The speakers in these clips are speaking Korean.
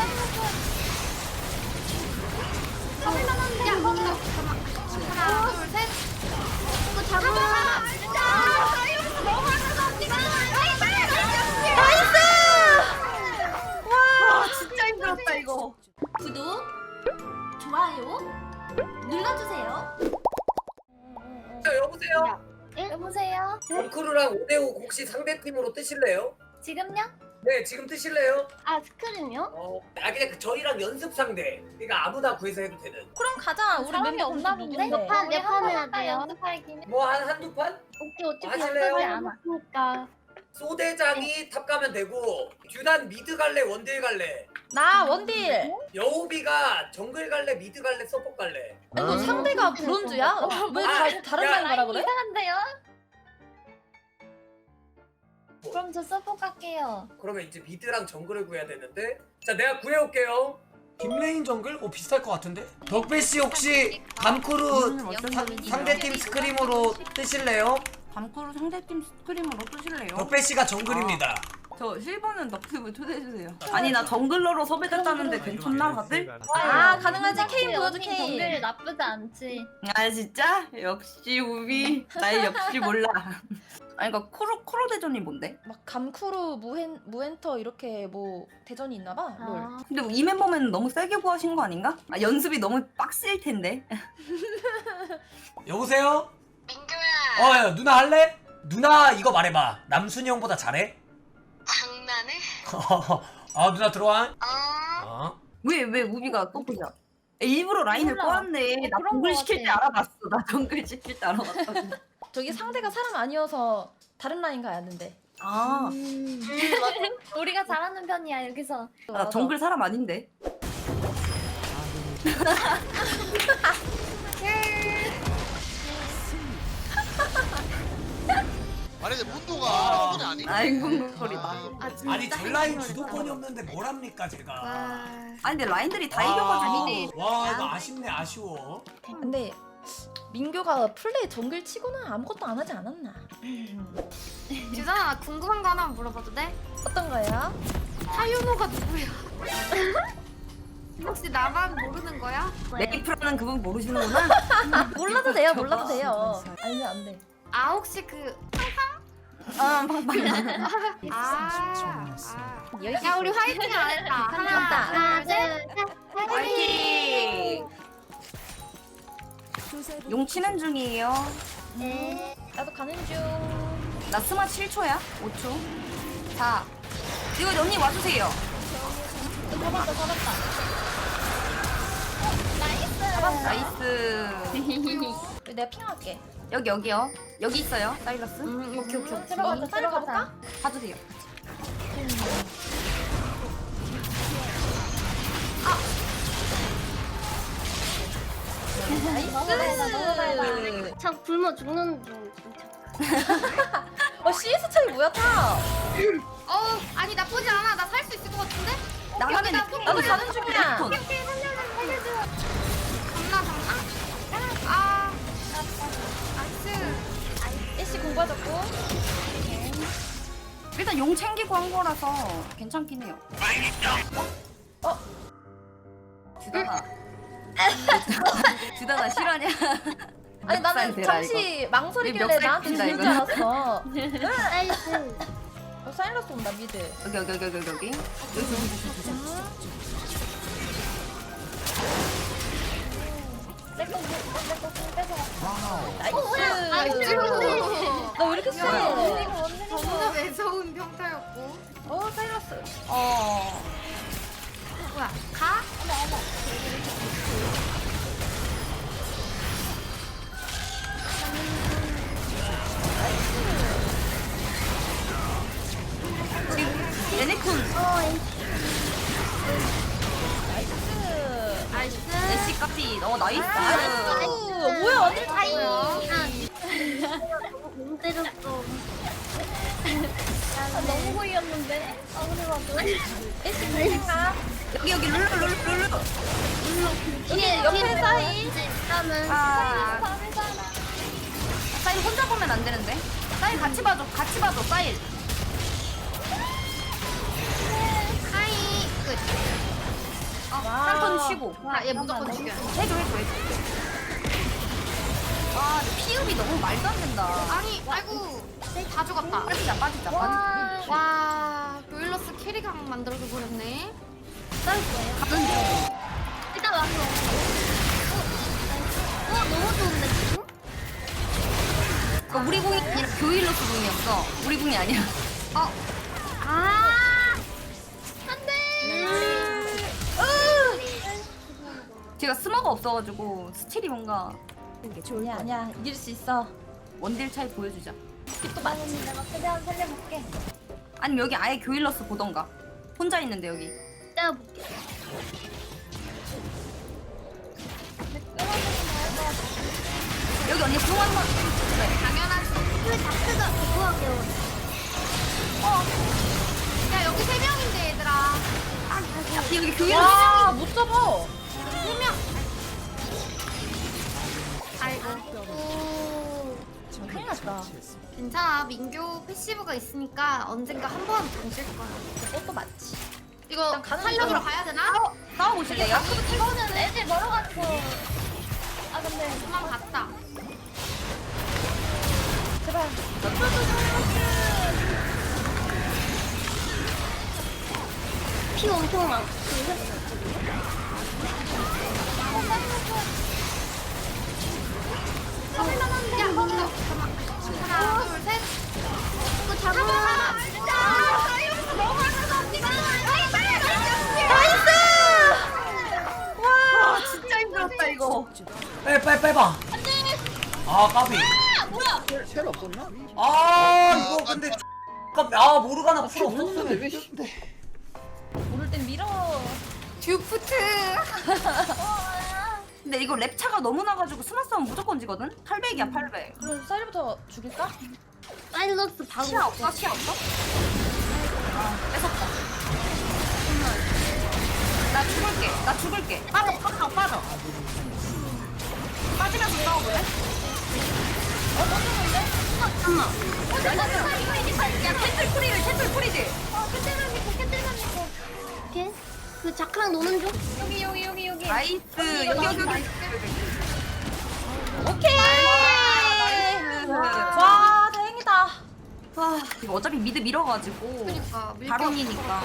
야, 거기서 잠깐만. 하나, 둘, 셋. 이거 잡아. 와 진짜 힘들었다 이거. 구독, 좋아요 눌러주세요. 여보세요? 여보세요. 덩크루랑 오데오 혹시 상대팀으로 뜨실래요? 지금요? 네, 지금 뜨실래요? 아 스크림요? 그냥 저희랑 연습 상대. 그러니까 아무나 구해서 해도 되는. 그럼 가자. 우리 사람이 멤버 없나 공식 본데? 누군데? 몇 판 해야 돼요? 연습할기는? 뭐 한두 판? 오케이 어차피 하실래요? 연습이 안 하니까. 소대장이 탑 가면 되고, 듀단 미드 갈래, 원딜 갈래? 나 원딜. 여우비가 정글 갈래, 미드 갈래, 서포 갈래? 아니 너 상대가 브론즈야? 왜 다른 야, 라인 가라 그래? 이상한데요? 그럼 저 서포 갈게요. 그러면 이제 미드랑 정글을 구해야 되는데. 자, 내가 구해올게요. 김레인 정글? 비쌀 것 같은데? 덕배씨 혹시 감크루 상대팀 스크림으로 뜨실래요? 밤크루 상대팀 스크림으로 뜨실래요? 덕배씨가 정글입니다. 저 실버는 너튜브 초대해주세요. 아니 나 정글러로 섭외됐다는데 괜찮나 다들? 아 가능하지. 케인 보여줘 정글 케인. 나쁘지 않지. 아 진짜? 역시 우비 날 역시 몰라. 아니 그니까 코로 대전이 뭔데? 막 감쿠루 무엔터 이렇게 뭐 대전이 있나봐. 롤. 근데 이 멤버면 너무 세게 구하신 거 아닌가? 아 연습이 너무 빡셀 텐데. 여보세요? 민규야. 야, 누나 할래? 누나 이거 말해봐. 남순이 형보다 잘해? 장난해? 아 누나 들어와. 어? 왜 우비가 또보자 일부러 라인을 몰라. 꼬았네. 나 그런 정글 거 시킬 때 같아. 알아봤어. 나 정글 시킬 때 알아봤다고. 저기 상대가 사람 아니어서 다른 라인 가야 된대. 아, 우리가 잘하는 편이야 여기서. 나 정글 사람 아닌데. 아니 근데 문도가 소리 아니야? 아이고 소리다. 아 진짜. 아니 젤라인 주도권이 없는데 뭘 합니까 제가? 아니 근데 라인들이 다 이겨가지고. 와 이거 아쉽네 아쉬워. 근데 민규가 플레이 정글 치고는 아무것도 안 하지 않았나? 주선아 나 궁금한 거 하나만 물어봐도 돼? 어떤 거야? 타유노가 누구야? 혹시 나만 모르는 거야? 메이플라는 그분 모르시는구나. 몰라도 돼요. 몰라도 돼요. 알면 안 돼. 아 혹시 그 아, 팡팡. 야 우리 화이팅 안 했다. 하나, 둘, 셋. 화이팅! 용 치는 중이에요. 네. 나도 가는 중. 나 스마 7초야. 5초. 자, 이거 언니 와주세요. 잡았다. 나이스. 내가 핑할게. 여기요. 여기 있어요. 사일러스. 오케이. 들어가자. 빨리 가볼까? 봐주세요. 나이스. 참 굶어 죽는 중 진짜. CS 차이 뭐야 타? 아니 나쁘지 않아. 나 살 수 있을 것 같은데? 나가면 나도 가는 중이야. 살려줘. 잡나? 아, 나이스. 애쉬 공부하자고. 일단 용 챙기고 한 거라서 괜찮긴 해요. 주단아. 주단아 실화냐? 아니 나는 멱살 대라, 잠시 망설이길래 멱살 나한테 핀다, 주는 줄 이거는. 알았어. 나이스. 사일러스 온다 미드. 여기. 나이스. 너 왜 이렇게 세? 너무나 매서운 평타였고. 사일러스. 뭐야? 가? 레네쿤. 나이스. 애쉬까지. 나이스. 뭐야 완전 다이. 너무 때렸어. 너무 보이었는데. 아무리 봐도. 애쉬 공인가? 여기 룰루. 여기 옆에 사이. 일단은. 사일 혼자 보면 안 되는데. 사일 같이 봐줘. 사일. 하이. 끝. 쉬고. 아, 얘 무조건 죽여. 해줘. 아, 피읍이 너무 말도 안 된다. 아니, 아이고. 다 죽었다. 빠지자. 와, 로일러스 캐리강 만들어서 버렸네. 가는 중. 일단 왔어. 너무 좋은데, 지금? 그러니까 우리 궁이 아니라 교일로스 궁이었어. 우리 궁이 아니라. 안 돼! 제가 스마가 없어가지고 스틸이 뭔가 아니야 이길 수 있어. 원딜 차이 보여주자. 또 맞지. 내가 최대한 살려볼게. 아니면 여기 아예 교일러스 보던가. 혼자 있는데 여기. 내가 볼게. 여기 언니 궁 한번. 당연하지. 그 다크가 그거가 깨워. 야, 여기 3명인데, 얘들아. 여기 교일러스. 와못 잡아. 3명. 아이고. 큰일 났다. 괜찮아. 민교 패시브가 있으니까 언젠가 한 번 정실 거야. 그것도 맞지. 이거 일단 가는 살려보러 거야. 가야 되나? 싸워보실래요? 이거는 애들 멀어가지고. 아, 근데 그만 갔다. 제발. 피 엄청 많아. 야, 거기서. 하나, 둘, 셋. 이거 잡아. 진짜. 너무하면서 언니가. 와 진짜 힘들었다 이거. 빼봐. 아 까비. 뭐야? 아 이거 근데 까비. 아 모르가나 풀 없었으면. 모를 땐 밀어. 듀프트. 근데 이거 랩차가 너무 나가지고 스마 싸움 무조건 지거든? 800이야 800. 그럼 쌀부터 죽일까? 사일러스 바로. 시야 없어? 아 뺏었다. 나 죽을게. 빠져. 빠지면서 싸워볼래? 떴는데? 잠깐만. 야 캔틀 프리들. 캔들만 있고. 걔? 그 자크랑 노는 중? 여기. 나이스. 여기. 오케이. 나이스. 와 다행이다. 와 이거 어차피 미드 밀어가지고 그니까. 바론이니까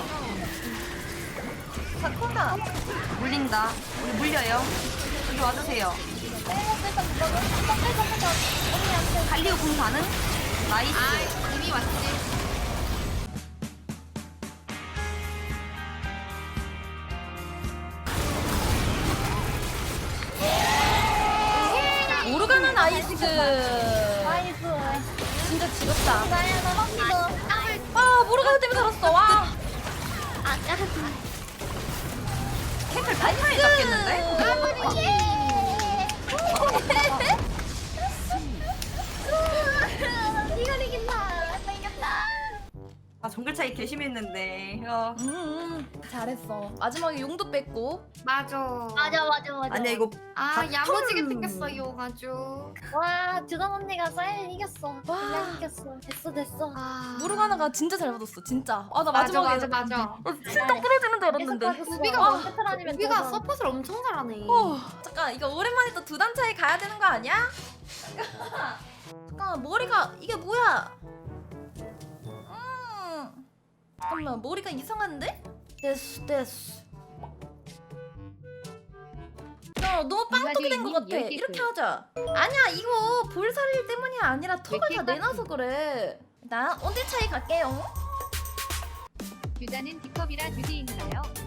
사쿠나. 물린다. 우리 물려요. 여기 와주세요. 갈리오 공 가능? 나이스. 아, 이미 왔지. 모르가나 나이스. 진짜 지겹다. 아 모르가나 때문에 살았어. 와. 캔틀 타이타이 잡겠는데? 이걸 이긴다. 이겼다. 아 정글 차이 개심했는데. 잘했어. 마지막에 용도 뺐고. 맞아. 아니야 이거 아, 야무지게 바텀. 뜯겼어요, 아주. 와, 주단 언니가 사일 이겼어. 와. 그냥 이겼어. 됐어. 아. 모르가나가 진짜 잘 받았어. 진짜. 아 나 맞아, 마지막에 맞아. 진짜 부러지는 줄 알았는데. 우비가 먼저 틀어지면 우비가 서폿을 엄청 잘하네. 잠깐 이거 오랜만에 또 두 단 차이 가야 되는 거 아니야? 잠깐 머리가 이게 뭐야? 잠깐만 머리가 이상한데? 됐어. 야 너무 빵떡이 된 거 같아. 이렇게 하자. 아니야 이거 볼살일 때문이 아니라 턱을 다 내놔서 그래. 나 온딜 차이 갈게요. 유다는 D컵이라 주디인가요?